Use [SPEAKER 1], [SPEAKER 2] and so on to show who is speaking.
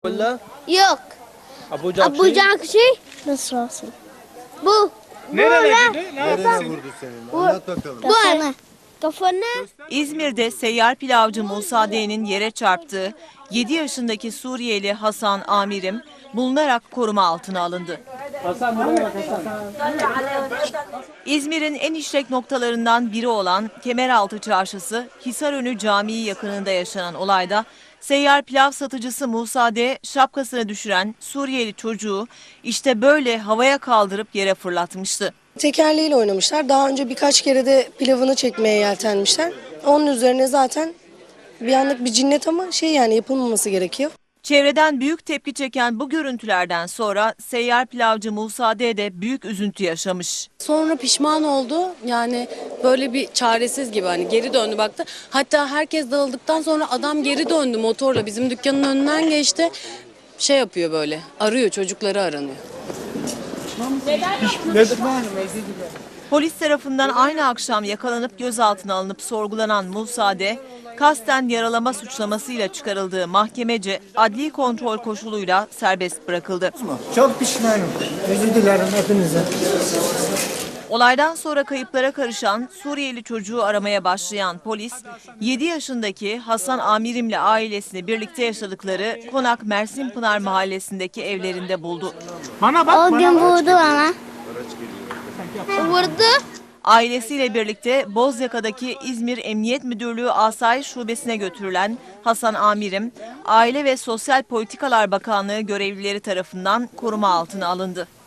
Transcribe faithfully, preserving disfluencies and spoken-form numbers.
[SPEAKER 1] Valla
[SPEAKER 2] Yok.
[SPEAKER 1] Abu Cakşi.
[SPEAKER 2] Abu Cakşi. Nasıl olsun? Bu.
[SPEAKER 3] Nereye
[SPEAKER 4] Nereye vurdu seni? Anlat bakalım.
[SPEAKER 2] Bu. Kafana.
[SPEAKER 5] İzmir'de seyyar pilavcı Musa D'nin yere çarptığı yedi yaşındaki Suriyeli Hasan Amirim bulunarak koruma altına alındı. İzmir'in en işlek noktalarından biri olan Kemeraltı Çarşısı Hisarönü Camii yakınında yaşanan olayda seyyar pilav satıcısı Musa D şapkasını düşüren Suriyeli çocuğu işte böyle havaya kaldırıp yere fırlatmıştı.
[SPEAKER 6] Tekerleğiyle oynamışlar. Daha önce birkaç kere de pilavını çekmeye yeltenmişler. Onun üzerine zaten bir anlık bir cinnet ama şey yani yapılmaması gerekiyor.
[SPEAKER 5] Çevreden büyük tepki çeken bu görüntülerden sonra seyyar pilavcı Musa D de büyük üzüntü yaşamış.
[SPEAKER 7] Sonra pişman oldu. Yani böyle bir çaresiz gibi hani geri döndü baktı. Hatta herkes dağıldıktan sonra adam geri döndü motorla bizim dükkanın önünden geçti. Şey yapıyor böyle arıyor, çocukları aranıyor.
[SPEAKER 5] Polis tarafından aynı akşam yakalanıp gözaltına alınıp sorgulanan Musa D, kasten yaralama suçlamasıyla çıkarıldığı mahkemece adli kontrol koşuluyla serbest bırakıldı.
[SPEAKER 3] Çok pişmanım. Özür dilerim hepinize.
[SPEAKER 5] Olaydan sonra kayıplara karışan Suriyeli çocuğu aramaya başlayan polis, yedi yaşındaki Hasan Amirim'le ailesini birlikte yaşadıkları Konak Mersinpınar mahallesindeki evlerinde buldu.
[SPEAKER 3] Bana bak,
[SPEAKER 2] O
[SPEAKER 3] bana
[SPEAKER 2] gün
[SPEAKER 3] bak.
[SPEAKER 2] vurdu ama. Vurdu.
[SPEAKER 5] Ailesiyle birlikte Bozyaka'daki İzmir Emniyet Müdürlüğü Asayiş Şubesi'ne götürülen Hasan Amirim, Aile ve Sosyal Politikalar Bakanlığı görevlileri tarafından koruma altına alındı.